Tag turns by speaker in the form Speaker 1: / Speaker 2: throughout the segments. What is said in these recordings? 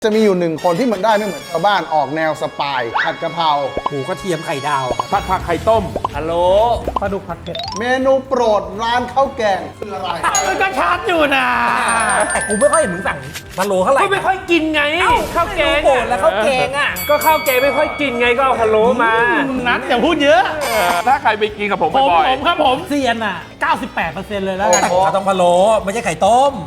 Speaker 1: จะมีอยู่หนึ่งคนที่มันได้ไม่เหมือนชาวบ้านออกแนวสปายผัดกะเพรา
Speaker 2: หมูกระเทียมไข่ดาว
Speaker 3: ผัดผักไข่ต้มพะโล้
Speaker 2: ปลาดุกผัดเผ็ด
Speaker 1: เมนูโปรดร้านข้าวแกงคืออะไร
Speaker 2: มันก็ชัดอยู่นะแต่กูไม่ค่อยเห็นมึงสั่งพะโล้เท่าไหร่
Speaker 3: ก็ไม่ค่อยกินไงข้าวแกง
Speaker 2: โปรดแล้วข้าวแกงอ่ะ
Speaker 3: ก็ข้าวแกงไม่ค่อยกินไงก็เอาพะโล้มา
Speaker 2: นัดอย่าพูดเยอะ
Speaker 3: ถ้าใครไปกินกับผม
Speaker 2: ผม
Speaker 3: บ่อย
Speaker 2: ครับผมเซียนอ่ะ 98%เลยแล้วกัน
Speaker 1: โอ้โห
Speaker 2: ต้องพะโล้ไม่ใช่ไข่ต้ม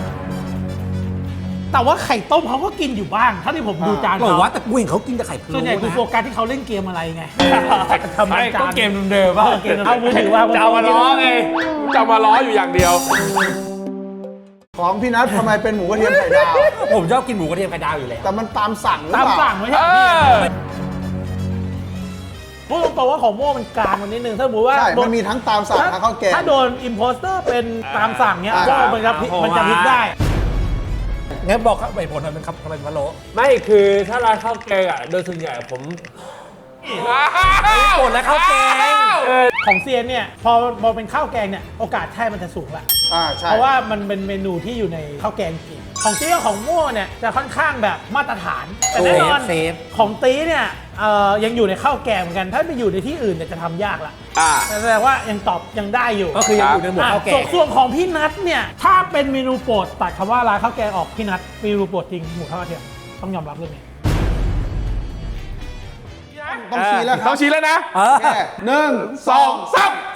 Speaker 2: แต่ว่าไข่ต้มเขาก็กินอยู่บ้างเท่าที่ผมดูจาน
Speaker 4: บอก
Speaker 2: เขา
Speaker 4: ว่าแต่กูเห็นเขากินแต่ไข่พะโล้
Speaker 2: ส่วนใหญ่กู
Speaker 4: นะ
Speaker 2: โฟกัสที่เขาเล่นเกมอะไรไง
Speaker 3: ๆไม่ก็เกมเดิมๆว่า
Speaker 2: เกมเอามือถือว่า
Speaker 3: จะเอามาล้อไงจะเอามาล้ออยู่อย่างเดียว
Speaker 1: ของพี่นัททำไมเป็นหมูกระเทียมไข่ดาว
Speaker 4: ผมชอบกินหมูกระเทียมไข่ดาวอยู่แล้ว
Speaker 1: แต่มันตามสั่งหรือ
Speaker 2: ตาม
Speaker 1: เปล่า
Speaker 2: สั่งไม่ใช่
Speaker 3: เอ
Speaker 2: พี่
Speaker 3: อ
Speaker 2: พูดตรงๆว่าของโม่มันกลางมันนิดนึงถ้าสมมติว่า
Speaker 1: ใช่
Speaker 2: โด
Speaker 1: มันมีทั้งตามสั่งทั้งข้าวแกง
Speaker 2: ถ้าโดนอิมโพสเตอร์เป็นตามสั่งเนี้ย
Speaker 1: อ่า
Speaker 2: ก็มันจะพลิกมันจะพลิกได้
Speaker 4: งั้นบอกครับเหตุผลมันเป็นครับทำไมพะโล้
Speaker 3: ไม่คือถ้าร้านข้าวแกงอ่ะโดยส่วนใหญ่ผม
Speaker 4: โปรดและข้าวแกง
Speaker 2: ของเซียนเนี่ยพอเป็นข้าวแกงเนี่ยโอกาสใช่มันจะสูงละ
Speaker 1: ใช่
Speaker 2: เพราะว่ามันเป็นเมนูที่อยู่ในข้าวแกงจริงของตี้กับของโม่เนี่ยจะค่อนข้างแบบมาตรฐาน แต่แน่นอน
Speaker 4: เซฟ
Speaker 2: ของตีเนี่ยยังอยู่ในข้าวแกงเหมือนกัน ถ้าไปอยู่ในที่อื่นเนี่ยจะทำยากละ
Speaker 3: อ่า
Speaker 2: แสดงว่ายังตอบยังได้อยู่
Speaker 4: ก็คือยังอยู่ในหมวดข้าวแกง
Speaker 2: ส่วนของพี่นัทเนี่ยถ้าเป็นเมนูโปรดตัดคำว่าร้านข้าวแกงออกพี่นัทเมนูโปรดจริงหมูข้าวกระเทียมต้องยอมรับเรื่องนี้
Speaker 1: ต้องชี้แล้วค
Speaker 3: ต้
Speaker 1: รั
Speaker 3: อบ งชี้แล้วนะ
Speaker 4: เออ
Speaker 1: แค่1 2 3